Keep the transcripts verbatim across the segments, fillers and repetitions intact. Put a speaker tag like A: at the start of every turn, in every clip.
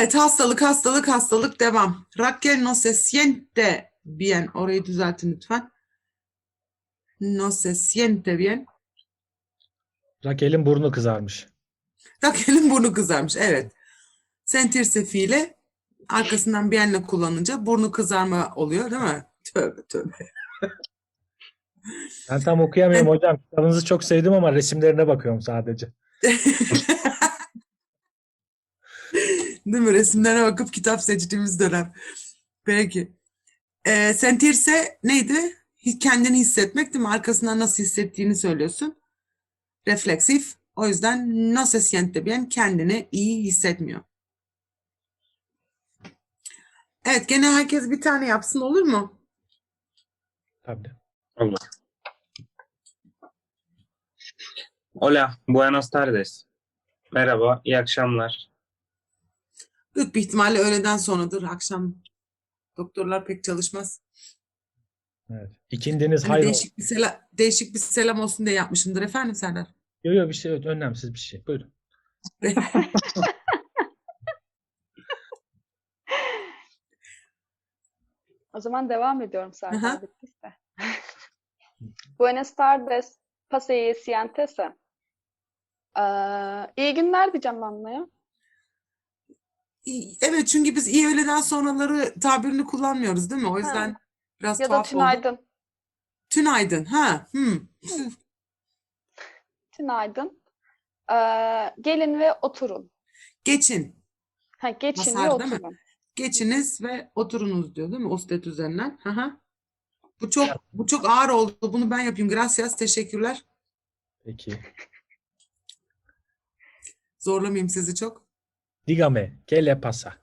A: Evet, hastalık, hastalık, hastalık devam. Raquel no se siente bien. Orayı düzeltin lütfen. No se siente bien.
B: Raquel'in burnu kızarmış.
A: Raquel'in burnu kızarmış. Evet. Sentirse fiili arkasından bienle kullanınca burnu kızarma oluyor değil mi? Tövbe tövbe.
B: Ben tam okuyamıyorum hocam. Kitabınızı çok sevdim ama resimlerine bakıyorum sadece.
A: Değil mi? Resimlere bakıp kitap seçtiğimiz dönem. Peki. Ee, sentirse neydi? Hi- Kendini hissetmek değil mi? Arkasından nasıl hissettiğini söylüyorsun. Refleksif. O yüzden no se siente bien, kendini iyi hissetmiyor. Evet, gene herkes bir tane yapsın, olur mu?
B: Tabii.
C: Olur. Hola, buenas tardes. Merhaba, iyi akşamlar.
A: Büyük bir ihtimalle öğleden sonradır. Akşam doktorlar pek çalışmaz.
B: Evet. İkindiniz
A: Hani
B: hayır olsun.
A: değişik bir selam, değişik bir selam olsun diye yapmışımdır efendim Serdar.
B: Yok yok bir şey yok. Önemsiz bir şey. Buyurun.
D: O zaman devam ediyorum
A: Aha.
D: Serdar bittiyse. Buenas tardes. Pase sientese. Ee, iyi günler diyeceğim ben de ya.
A: İyi- Evet, çünkü biz iyi öğleden sonraları tabirini kullanmıyoruz değil mi? O yüzden biraz
D: Ya da
A: tuhaf oldu.
D: tünaydın.
A: Tünaydın. Ha, hmm.
D: Tünaydın. Ee, gelin ve oturun.
A: Geçin.
D: Ha, geçin ve
A: Masar değil mi?
D: oturun.
A: Geçiniz ve oturunuz diyor değil mi? Usted üzerinden. Aha. Bu çok bu çok ağır oldu. Bunu ben yapayım. Gracias. Teşekkürler.
B: Peki.
A: Zorlamayayım sizi çok.
B: Dígame, ¿qué le pasa?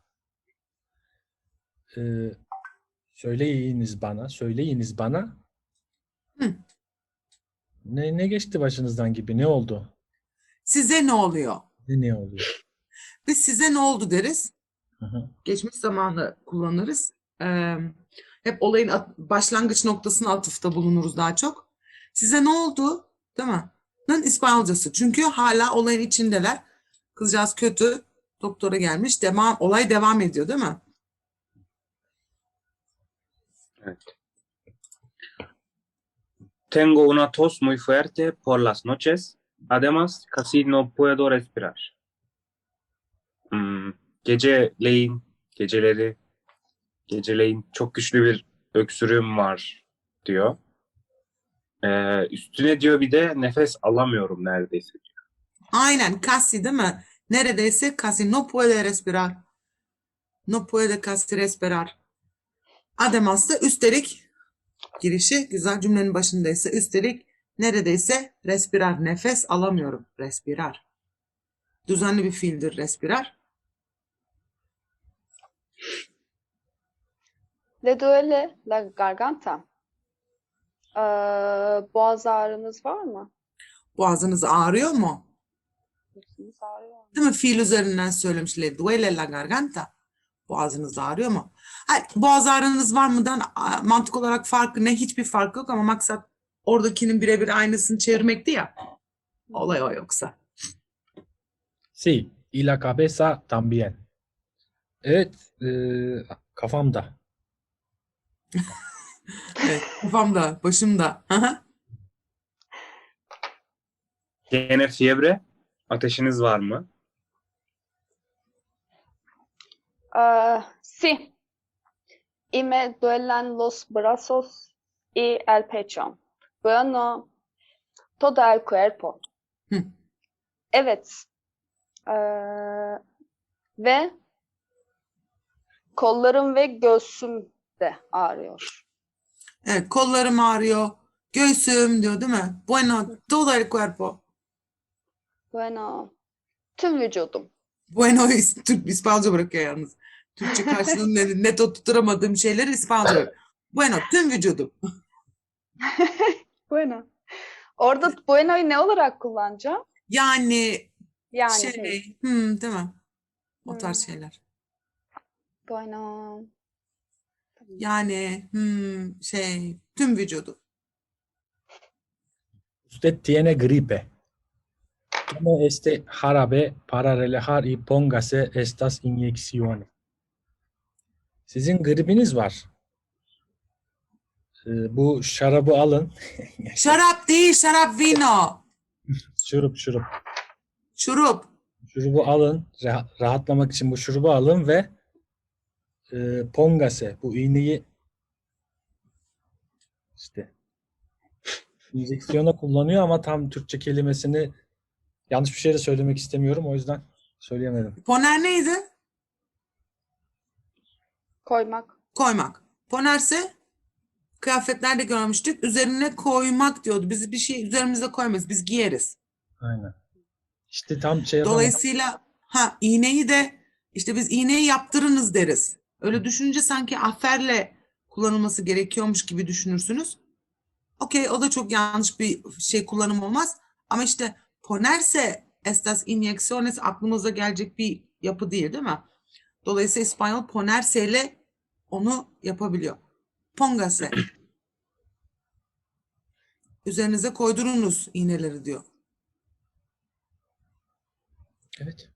B: Ee, söyleyiniz bana, söyleyiniz bana.
A: Hı.
B: Ne, ne geçti başınızdan gibi? Ne oldu?
A: Size ne oluyor?
B: Ne, ne oluyor?
A: Biz size ne oldu deriz.
B: Hı hı.
A: Geçmiş zamanı kullanırız. Ee, hep olayın at- başlangıç noktasına atıfta bulunuruz daha çok. Size ne oldu? Değil mi? Nın İspanyolcası. Çünkü hala olayın içindeler. Kızcağız kötü. Doktora gelmiş. Devam, olay devam ediyor değil mi?
C: Evet. Tengo una tos muy fuerte por las noches. Además, casi no puedo respirar. Hmm, geceleyin, geceleri, geceleyin çok güçlü bir öksürüğüm var diyor. Ee, üstüne diyor bir de nefes alamıyorum neredeyse.
A: Aynen. Casi değil mi? Neredeyse casi no puede respirar. No puede casi respirar. Además da üstelik girişi güzel cümlenin başındaysa üstelik neredeyse respirar. Nefes alamıyorum. Respirar. Düzenli bir fiildir respirar.
D: Le duele la garganta. Ee, boğaz ağrınız var mı?
A: Boğazınız ağrıyor mu?
D: Boğazınız ağrıyor mu?
A: Değil mi? Fiil üzerinden söylemiş. Le duele la garganta. Boğazınız ağrıyor mu? Hayır, boğaz ağrınız var mıdan a, mantık olarak farkı ne? Hiçbir fark yok ama maksat oradakinin birebir aynısını çevirmekti ya. Olay o yoksa.
B: Sí, y la cabeza también. Evet, e, kafamda.
A: Evet, kafamda, başımda. Aha.
C: Gene fiebre, ateşiniz var mı?
D: Ee, sí. Y me duelen los brazos y el pecho. Bueno, todo el cuerpo.
A: Hı.
D: Evet. Ee, ve kollarım ve göğsüm de ağrıyor.
A: Evet, kollarım ağrıyor. Göğsüm diyor değil mi? Bueno, todo el cuerpo.
D: Bueno, tüm vücudum.
A: Bueno, is- Türk İspanyolca bırakıyor yalnız. Türkçe karşılığını net, net tutturamadığım şeyleri İspanyolca bırakıyor. Bueno, tüm vücudum.
D: Bueno. Orada bueno'yu ne olarak kullanacağım?
A: Yani
D: Yani
A: şey, hmm, değil mi? O tarz
D: Hmm.
A: şeyler.
D: bueno.
A: Yani hmm, şey, tüm vücudu.
B: Usted tiene gripe. Como este jarabe para relajar y póngase estas inyecciones. Sizin gribiniz var. Ee, bu şarabı alın.
A: Şarap değil, şarap vino.
B: Şurup şurup.
A: Şurup.
B: Şurubu alın. rah- rahatlamak için bu şurubu alın ve e, pongase, bu iğneyi işte enjeksiyona kullanıyor ama tam Türkçe kelimesini yanlış bir şey de söylemek istemiyorum. O yüzden söyleyemedim.
A: Poner neydi?
D: Koymak.
A: Koymak. Ponerse kıyafetlerde görmüştük. Üzerine koymak diyordu. Biz bir şey üzerimize koymayız. Biz giyeriz.
B: Aynen. İşte tam şey yapamadım.
A: Dolayısıyla ha iğneyi de işte biz iğneyi yaptırınız deriz. Öyle düşününce sanki aferle kullanılması gerekiyormuş gibi düşünürsünüz. Okey, o da çok yanlış bir şey kullanım olmaz. Ama işte ponerse estas inyecciones aklımıza gelecek bir yapı değil, değil mi? Dolayısıyla İspanyol ponerse ile onu yapabiliyor. Póngase. Üzerinize koydurunuz iğneleri diyor.
B: Evet.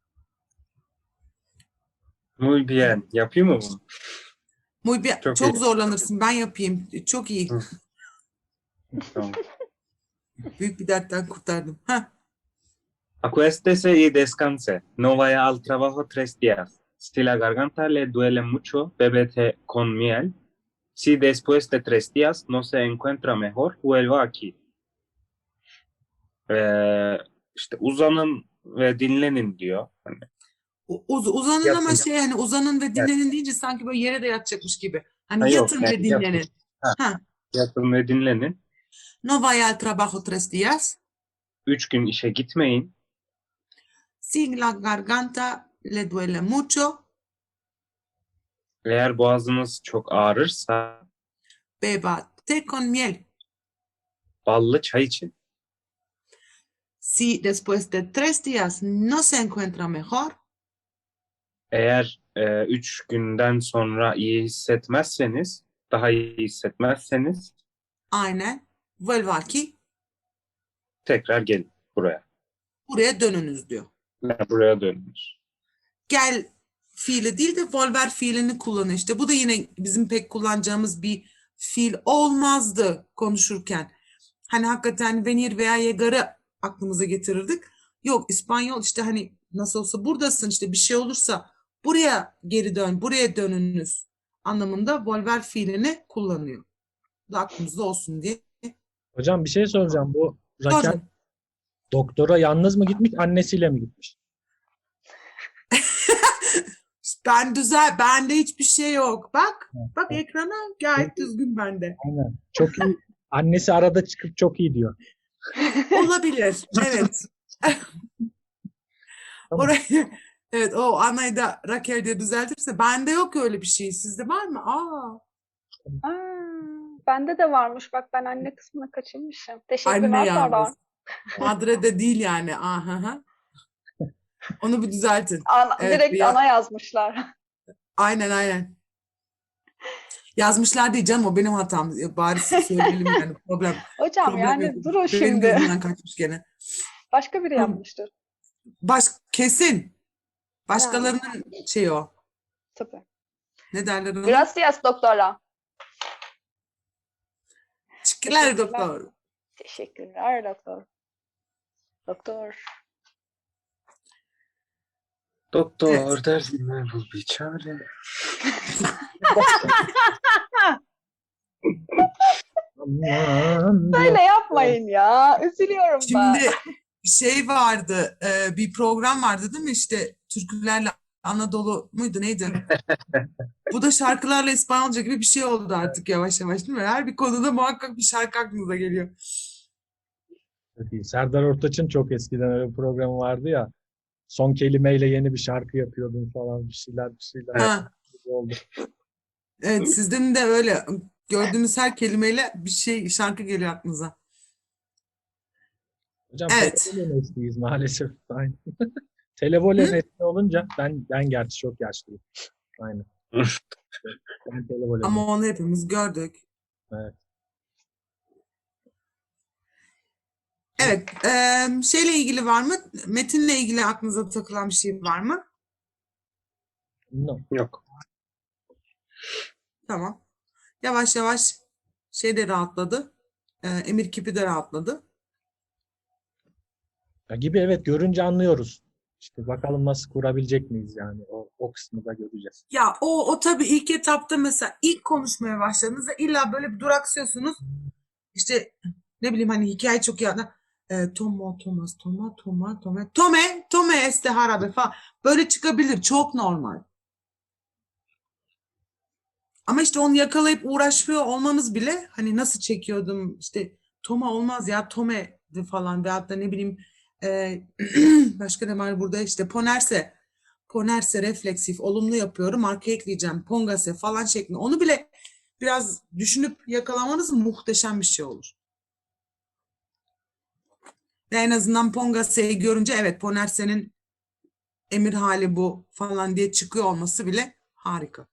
C: Muy bien. Yapayım mı bunu?
A: Muy bien.
C: Çok
A: Çok
C: iyi.
A: zorlanırsın. Ben yapayım. Çok iyi.
C: Hı. Tamam.
A: Büyük bir dertten kurtardım. Heh.
C: Acuéstese y descanse. No vaya al trabajo tres días. Si la garganta le duele mucho, bébete con miel. Si después de tres días no se encuentra mejor, vuelva aquí. Ee, işte uzanın ve dinlenin diyor. Hani
A: U- Uz, uzanın
C: Yatın.
A: ama şey hani uzanın ve dinlenin deyince sanki böyle yere de yatacakmış gibi. Hani
C: Ha, yok,
A: yatın
C: yani
A: ve dinlenin.
C: Ha.
A: Ha.
C: yatın ve dinlenin.
A: No vaya al trabajo tres días.
C: Üç gün işe gitmeyin.
A: Si la garganta le duele mucho,
C: Eğer boğazınız çok ağrırsa
A: beba té con miel.
C: ballı çay için.
A: Si después de tres días no se encuentra mejor,
C: Eğer e, üç günden sonra iyi hissetmezseniz, daha iyi hissetmezseniz
A: aynen vuelva aquí,
C: tekrar gelin buraya.
A: buraya dönünüz diyor.
C: Yani buraya dönünüz.
A: Gel fiili değil de volver fiilini kullanıyor. İşte bu da yine bizim pek kullanacağımız bir fiil olmazdı konuşurken. Hani hakikaten venir veya llegar'ı aklımıza getirirdik. Yok, İspanyol işte hani nasıl olsa buradasın, işte bir şey olursa buraya geri dön, buraya dönünüz anlamında volver fiilini kullanıyor. Bu da aklımızda olsun diye.
B: Hocam bir şey soracağım. Bu Raquel
A: Sordum.
B: doktora yalnız mı gitmiş, annesiyle mi gitmiş?
A: Ben düzel, bende hiçbir şey yok. Bak, bak ekrana gayet düzgün bende.
B: Aynen. Çok iyi. Annesi arada çıkıp çok iyi diyor.
A: Olabilir. Evet.
B: Tamam.
A: Orayı, evet, o Ana'yı da Raquel diye düzeltirse bende yok öyle bir şey. Sizde var mı? Aa,
D: Aa, bende de varmış. Bak ben anne kısmına kaçırmışım.
A: anne
D: Teşekkürler
A: yalnız.
D: Serdar.
A: Madre de değil yani. Aha. Onu bir düzeltin.
D: Ana,
A: Evet,
D: direkt
A: ya-
D: ana yazmışlar.
A: Aynen aynen. Yazmışlar değil canım, o benim hatam. Ya, bari söyleyelim yani problem.
D: Hocam
A: problem
D: yani
A: yok.
D: durun
A: Benim
D: şimdi.
A: gözümden kaçmış gene.
D: Başka biri
A: Hı.
D: yapmıştır.
A: Baş, kesin. Başkalarının şeyi o.
D: Tabii.
A: Ne derler ona?
D: Gracias doktora.
A: Teşekkürler
D: Teşekkürler.
A: doktor.
D: Teşekkürler doktor. Doktor.
C: Doktor derdime bul bir çare.
B: Aman
D: Böyle yapmayın ya. Üzülüyorum ben.
A: Şimdi şey vardı, e, bir program vardı değil mi, işte türkülerle Anadolu muydu neydi? Bu da şarkılarla İspanyolca gibi bir şey oldu artık yavaş yavaş, değil mi? Her bir konuda muhakkak bir şarkı aklınıza geliyor.
B: Çok iyi. Serdar Ortaç'ın çok eskiden öyle bir programı vardı ya. Son kelimeyle yeni bir şarkı yapıyordun falan, bir şeyler bir şeyler
A: Ha,
B: oldu.
A: evet, sizden de öyle. Gördüğünüz her kelimeyle bir şey, şarkı geliyor aklınıza.
B: Hocam
A: Evet.
B: televole nesliyiz maalesef. Aynen. Televole nesli olunca ben ben gerçi çok yaşlıyım. Aynen. Ben televole
A: Ama onu hepimiz gördük.
B: Evet.
A: Evet. eee, şeyle ilgili var mı? Metinle ilgili aklınıza takılan bir şey var mı?
B: No.
C: Yok.
A: Tamam. Yavaş yavaş şey de rahatladı. Eee, emir kipi de rahatladı.
B: Ya gibi evet görünce anlıyoruz. İşte bakalım nasıl kurabilecek miyiz yani o, o kısmı da göreceğiz.
A: Ya o o tabii ilk etapta mesela ilk konuşmaya başladığınızda illa böyle bir duraksıyorsunuz. İşte ne bileyim hani hikaye çok iyi anla. E, Tomo, Thomas, Toma, Toma, Tome, Tome, Tome este harabe falan. Böyle çıkabilir. Çok normal. Ama işte onu yakalayıp uğraşıyor olmanız bile hani nasıl çekiyordum işte Toma olmaz ya Tome'di falan veyahut da ne bileyim e, başka ne var burada işte Ponerse Ponerse refleksif olumlu yapıyorum arka ekleyeceğim Pongase falan şeklinde onu bile biraz düşünüp yakalamanız muhteşem bir şey olur. Ve en azından Pongase'yi görünce evet Ponerse'nin emir hali bu falan diye çıkıyor olması bile harika.